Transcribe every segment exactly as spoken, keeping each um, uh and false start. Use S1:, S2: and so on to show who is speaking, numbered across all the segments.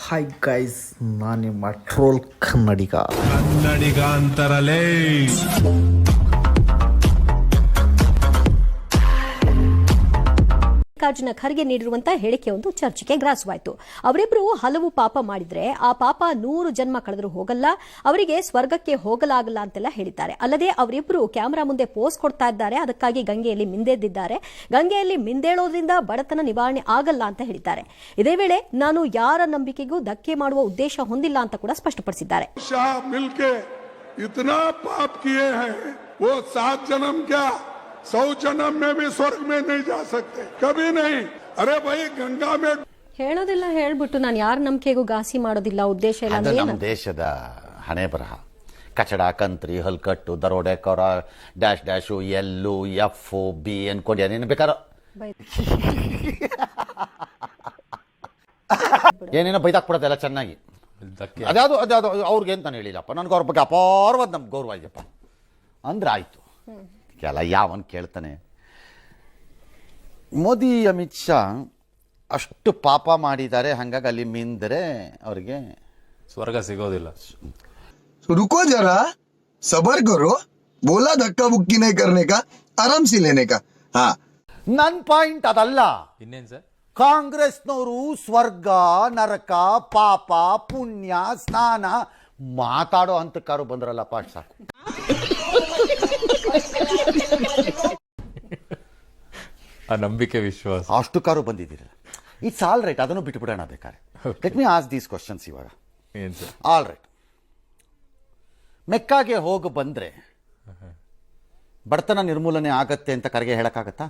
S1: Hi guys, ನಾನು ನಿಮ್ಮ troll Kannadiga
S2: Kannadiga ಅಂತಾರಲೇ.
S3: ಮಲ್ಲಿಕಾರ್ಜುನ ಖರ್ಗೆ ನೀಡಿರುವಂತಹ ಹೇಳಿಕೆ ಒಂದು ಚರ್ಚೆಗೆ ಗ್ರಾಸವಾಯಿತು. ಅವರಿಬ್ಬರು ಹಲವು ಪಾಪ ಮಾಡಿದ್ರೆ ಆ ಪಾಪ ನೂರು ಜನ್ಮ ಕಳೆದರೂ ಹೋಗಲ್ಲ, ಅವರಿಗೆ ಸ್ವರ್ಗಕ್ಕೆ ಹೋಗಲಾಗಲ್ಲ ಅಂತೆಲ್ಲ ಹೇಳಿದ್ದಾರೆ. ಅಲ್ಲದೆ ಅವರಿಬ್ಬರು ಕ್ಯಾಮೆರಾ ಮುಂದೆ ಪೋಸ್ ಕೊಡ್ತಾ ಇದ್ದಾರೆ, ಅದಕ್ಕಾಗಿ ಗಂಗೆಯಲ್ಲಿ ಮಿಂದೆದ್ದಿದ್ದಾರೆ. ಗಂಗೆಯಲ್ಲಿ ಮಿಂದೇಳೋದ್ರಿಂದ ಬಡತನ ನಿವಾರಣೆ ಆಗಲ್ಲ ಅಂತ ಹೇಳಿದ್ದಾರೆ. ಇದೇ ವೇಳೆ ನಾನು ಯಾರ ನಂಬಿಕೆಗೂ ಧಕ್ಕೆ ಮಾಡುವ ಉದ್ದೇಶ ಹೊಂದಿಲ್ಲ ಅಂತ ಕೂಡ ಸ್ಪಷ್ಟಪಡಿಸಿದ್ದಾರೆ.
S4: सौ जन्म में भी स्वर्ग में नहीं जा सकते, कभी नहीं. अरे भाई गंगा में
S3: ಹೇಳೋದಿಲ್ಲ ಹೇಳ್ಬಿಟ್ಟು ನಾನು ಯಾರ ನಂಬಿಕೆಗೂ ಘಾಸಿ ಮಾಡೋದಿಲ್ಲ ಉದ್ದೇಶ ಇಲ್ಲ ಅಂದ್ರೆ
S5: ನಮ್ಮ ದೇಶದ ಹಣೆ ಬರಹ. ಕಚಡ, ಕಂತ್ರಿ, ಹಲ್ಕಟ್ಟು, ದರೋಡೆಕೋರ, ಡ್ಯಾಶ್ ಡ್ಯಾಶು, ಎಲ್ಲು, ಎಫ್ ಬಿ ಅನ್ಕೊಂಡು ಏನೇನು ಬೇಕಾರ ಏನೇನೋ ಬೈದಾಕ್ಬಿಡೋದು ಎಲ್ಲ ಚೆನ್ನಾಗಿ. ಅದ್ಯಾವುದು ಅದ್ಯಾವುದು ಅವ್ರಿಗೆ ಅಂತ ಹೇಳಿಲ್ಲಪ್ಪ, ನನಗೆ ಅವ್ರ ಬಗ್ಗೆ ಅಪಾರವಾದ ನಮ್ಗೆ ಗೌರವ ಇದೆಯಪ್ಪ ಅಂದ್ರೆ ಆಯ್ತು. ಎಲ್ಲ ಯಾವನ್ ಕೇಳ್ತಾನೆ. ಮೋದಿ ಅಮಿತ್ ಶಾ ಅಷ್ಟು ಪಾಪ ಮಾಡಿದ್ದಾರೆ, ಹಂಗಾಗಿ ಅಲ್ಲಿ ಮಿಂದರೆ ಅವ್ರಿಗೆ
S6: ಸ್ವರ್ಗ ಸಿಗೋದಿಲ್ಲ.
S7: रुको जरा, सबर करो, बोला धक्का बुक्की नहीं करने का, आराम से लेने का. हाँ,
S5: ನನ್ ಪಾಯಿಂಟ್ ಅದಲ್ಲ.
S6: ಇನ್ನೇನ್ ಸರ್,
S5: ಕಾಂಗ್ರೆಸ್ನವರು ಸ್ವರ್ಗ, ನರಕ, ಪಾಪ, ಪುಣ್ಯ, ಸ್ನಾನ ಮಾತಾಡೋ ಹಂತಕ್ಕಾರು ಬಂದ್ರಲ್ಲಪ್ಪ, ಅಷ್ಟು ಸಾಕು.
S6: ಆ ನಂಬಿಕೆ ವಿಶ್ವಾಸ
S5: ಅಷ್ಟು ಕಾರು ಬಂದಿದ್ದೀರಲ್ಲ, ಇಟ್ಸ್ ಆಲ್ ರೈಟ್. ಅದನ್ನು ಬಿಟ್ಬಿಡೋಣ ಬೇಕಾರೆ. Let me ask these questions ಇವಾಗ.
S6: ಏನ್ ಸರ್?
S5: ಆಲ್ ರೈಟ್, ಮೆಕ್ಕಾಗೆ ಹೋಗಿ ಬಂದ್ರೆ ಬಡತನ ನಿರ್ಮೂಲನೆ ಆಗತ್ತೆ ಅಂತ ಕರೆಗೆ ಹೇಳಕ್ಕಾಗತ್ತಾ?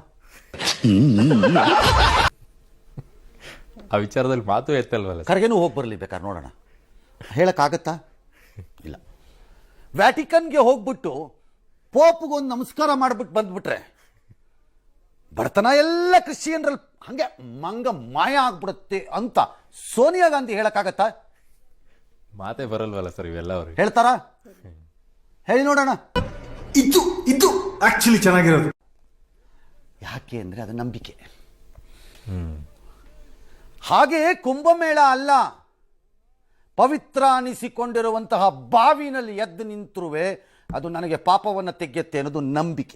S6: ಆ ವಿಚಾರದಲ್ಲಿ ಮಾತು ಎತ್ತಲ್ವಲ್ಲ.
S5: ಕರೆಗೆನೂ ಹೋಗಿ ಬರಲಿ ಬೇಕಾದ್ರೆ, ನೋಡೋಣ. ಹೇಳಕ್ಕಾಗತ್ತಾ? ಇಲ್ಲ. ವ್ಯಾಟಿಕನ್ಗೆ ಹೋಗ್ಬಿಟ್ಟು ಪೋಪ್ಗೊಂದು ನಮಸ್ಕಾರ ಮಾಡ್ಬಿಟ್ಟು ಬಂದ್ಬಿಟ್ರೆ ಬಡತನ ಎಲ್ಲ ಕ್ರಿಶ್ಚಿಯನ್ರಲ್ಲಿ ಹಂಗೆ ಮಂಗ ಮಾಯ ಆಗ್ಬಿಡುತ್ತೆ ಅಂತ ಸೋನಿಯಾ ಗಾಂಧಿ ಹೇಳಕ್ಕಾಗತ್ತಾ?
S6: ಮಾತೇ ಬರಲ್ವಲ್ಲ ಸರ್ ಇವೆಲ್ಲ ಅವ್ರಿಗೆ.
S5: ಹೇಳ್ತಾರ? ಹೇಳಿ ನೋಡೋಣ.
S1: ಇದು ಇದು ಆಕ್ಚುಲಿ ಚೆನ್ನಾಗಿರೋದು.
S5: ಯಾಕೆ ಅಂದ್ರೆ ಅದು ನಂಬಿಕೆ. ಹಾಗೆ ಕುಂಭಮೇಳ ಅಲ್ಲ, ಪವಿತ್ರ ಅನಿಸಿಕೊಂಡಿರುವಂತಹ ಬಾವಿನಲ್ಲಿ ಎದ್ದು ನಿಂತರುವೆ ಅದು ನನಗೆ ಪಾಪವನ್ನು ತೆಗೆಯುತ್ತೆ ಅನ್ನೋದು ನಂಬಿಕೆ.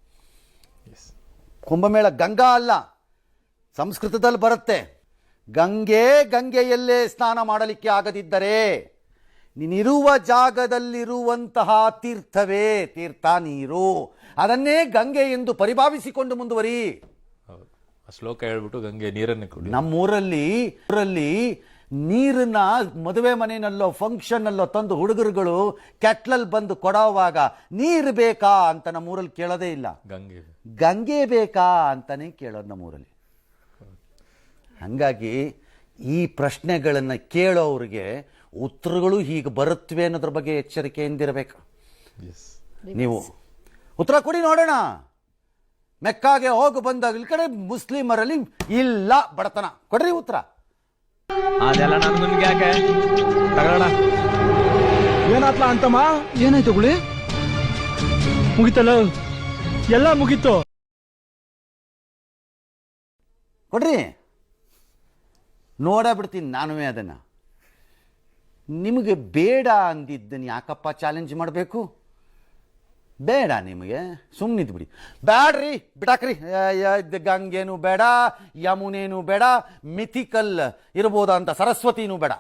S5: ಕುಂಭಮೇಳ ಗಂಗಾ ಅಲ್ಲ, ಸಂಸ್ಕೃತದಲ್ಲಿ ಬರುತ್ತೆ. ಗಂಗೆ ಗಂಗೆಯಲ್ಲೇ ಸ್ನಾನ ಮಾಡಲಿಕ್ಕೆ ಆಗದಿದ್ದರೆ ನೀನಿರುವ ಜಾಗದಲ್ಲಿರುವಂತಹ ತೀರ್ಥವೇ ತೀರ್ಥ ನೀರು, ಅದನ್ನೇ ಗಂಗೆ ಎಂದು ಪರಿಭಾವಿಸಿಕೊಂಡು ಮುಂದುವರಿ.
S6: ಹೌದು, ಆ ಶ್ಲೋಕ ಹೇಳ್ಬಿಟ್ಟು ಗಂಗೆ ನೀರನ್ನು ಕುಡಿ.
S5: ನಮ್ಮೂರಲ್ಲಿ ಊರಲ್ಲಿ ನೀರನ್ನ ಮದುವೆ ಮನೆಯಲ್ಲೋ ಫಂಕ್ಷನ್ನಲ್ಲೋ ತಂದು ಹುಡುಗರುಗಳು ಕೆಟ್ಲಲ್ಲಿ ಬಂದು ಕೊಡೋವಾಗ ನೀರು ಬೇಕಾ ಅಂತ ನಮ್ಮೂರಲ್ಲಿ ಕೇಳೋದೇ ಇಲ್ಲ.
S6: ಗಂಗೆ
S5: ಗಂಗೆ ಬೇಕಾ ಅಂತಾನೆ ಕೇಳೋದು ನಮ್ಮೂರಲ್ಲಿ. ಹಾಗಾಗಿ ಈ ಪ್ರಶ್ನೆಗಳನ್ನು ಕೇಳೋರಿಗೆ ಉತ್ತರಗಳು ಹೀಗೆ ಬರುತ್ತವೆ ಅನ್ನೋದ್ರ ಬಗ್ಗೆ ಎಚ್ಚರಿಕೆಯಿಂದಿರಬೇಕು. ನೀವು ಉತ್ತರ ಕೊಡಿ ನೋಡೋಣ. ಮೆಕ್ಕಾಗೆ ಹೋಗಿ ಬಂದಾಗ ಈ ಕಡೆ ಮುಸ್ಲಿಮರಲ್ಲಿ ಇಲ್ಲ ಬಡತನ, ಕೊಡ್ರಿ ಉತ್ತರ.
S8: ಅದೆಲ್ಲ ನನ್ಗೆ ಯಾಕೆ ತಗೊಳ್ಳೋಣ.
S9: ಏನಾತ್ಲ ಅಂತಮ್ಮ? ಏನಾಯ್ತು ಗುಳಿ? ಮುಗಿತಲ್ಲ, ಎಲ್ಲ ಮುಗೀತು.
S5: ಕೊಡ್ರಿ, ನೋಡ ಬಿಡ್ತೀನಿ ನಾನುವೇ ಅದನ್ನ. ನಿಮಗೆ ಬೇಡ ಅಂದಿದ್ದನ್ನು ಯಾಕಪ್ಪ ಚಾಲೆಂಜ್ ಮಾಡಬೇಕು? ಬೇಡ ನಿಮಗೆ, ಸುಮ್ಮನಿದ್ದು ಬಿಡಿ. ಬ್ಯಾಡ್ರಿ, ಬಿಡಾಕ್ರಿ. ಗಂಗೇನು ಬೇಡ, ಯಮುನೇನು ಬೇಡ, ಮಿಥಿಕಲ್ ಇರ್ಬೋದಂತ ಸರಸ್ವತಿನೂ ಬೇಡ.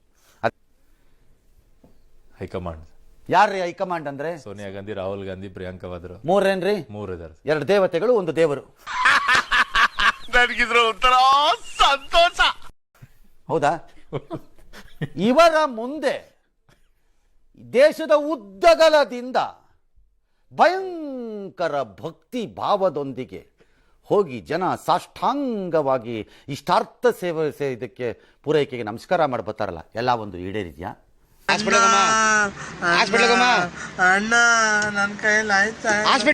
S6: ಹೈಕಮಾಂಡ್
S5: ಯಾರ್ರೀ ಹೈಕಮಾಂಡ್ ಅಂದ್ರೆ?
S6: ಸೋನಿಯಾ ಗಾಂಧಿ, ರಾಹುಲ್ ಗಾಂಧಿ, ಪ್ರಿಯಾಂಕಾ ವಾದ್ರಾ.
S5: ಮೂರೇನ್ರಿ?
S6: ಮೂರು ಇದಾರೆ.
S5: ಎರಡು ದೇವತೆಗಳು, ಒಂದು ದೇವರು.
S2: ನನಗಿದ್ರ ಒಂಥರ ಸಂತೋಷ.
S5: ಹೌದಾ? ಇವರ ಮುಂದೆ ದೇಶದ ಉದ್ದಗಲದಿಂದ ಭಯಂಕರ ಭಕ್ತಿ ಭಾವದೊಂದಿಗೆ ಹೋಗಿ ಜನ ಸಾಷ್ಟಾಂಗವಾಗಿ ಇಷ್ಟಾರ್ಥ ಸೇವೆ ಇದಕ್ಕೆ ಪೂರೈಕೆಗೆ ನಮಸ್ಕಾರ ಮಾಡಿ ಬರ್ತಾರಲ್ಲ, ಎಲ್ಲ ಒಂದು ಈಡೇರಿದ್ಯಾ?
S4: ಅಣ್ಣ ನನ್ನ ಕೈಯಲ್ಲಿ ಆಯ್ತಾ?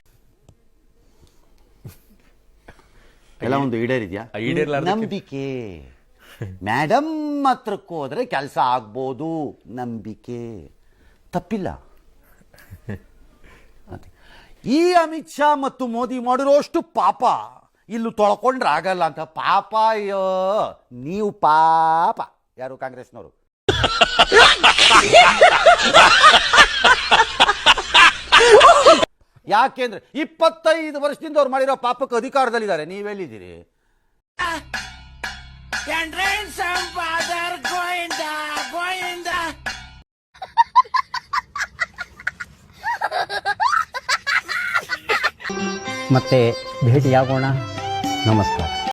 S5: ಎಲ್ಲ ಒಂದು ಈಡೇರಿದ್ಯಾ? ನಂಬಿಕೆ. ಮೇಡಮ್ ಹತ್ರಕ್ಕೆ ಹೋದ್ರೆ ಕೆಲಸ ಆಗ್ಬೋದು, ನಂಬಿಕೆ. ತಪ್ಪಿಲ್ಲ. ಈ ಅಮಿತ್ ಶಾ ಮತ್ತು ಮೋದಿ ಮಾಡಿರೋಷ್ಟು ಪಾಪ ಇಲ್ಲೂ ತೊಳ್ಕೊಂಡ್ರೆ ಆಗಲ್ಲ ಅಂತ. ಪಾಪ ಅಯ್ಯೋ ನೀವು ಪಾಪ ಯಾರು ಕಾಂಗ್ರೆಸ್ನವರು. ಯಾಕೆಂದ್ರೆ ಇಪ್ಪತ್ತೈದು ವರ್ಷದಿಂದ ಅವ್ರು ಮಾಡಿರೋ ಪಾಪಕ್ಕೆ ಅಧಿಕಾರದಲ್ಲಿದ್ದಾರೆ, ನೀವೆಲ್ಲಿದ್ದೀರಿ?
S10: ಮತ್ತೆ ಭೇಟಿಯಾಗೋಣ. ನಮಸ್ಕಾರ.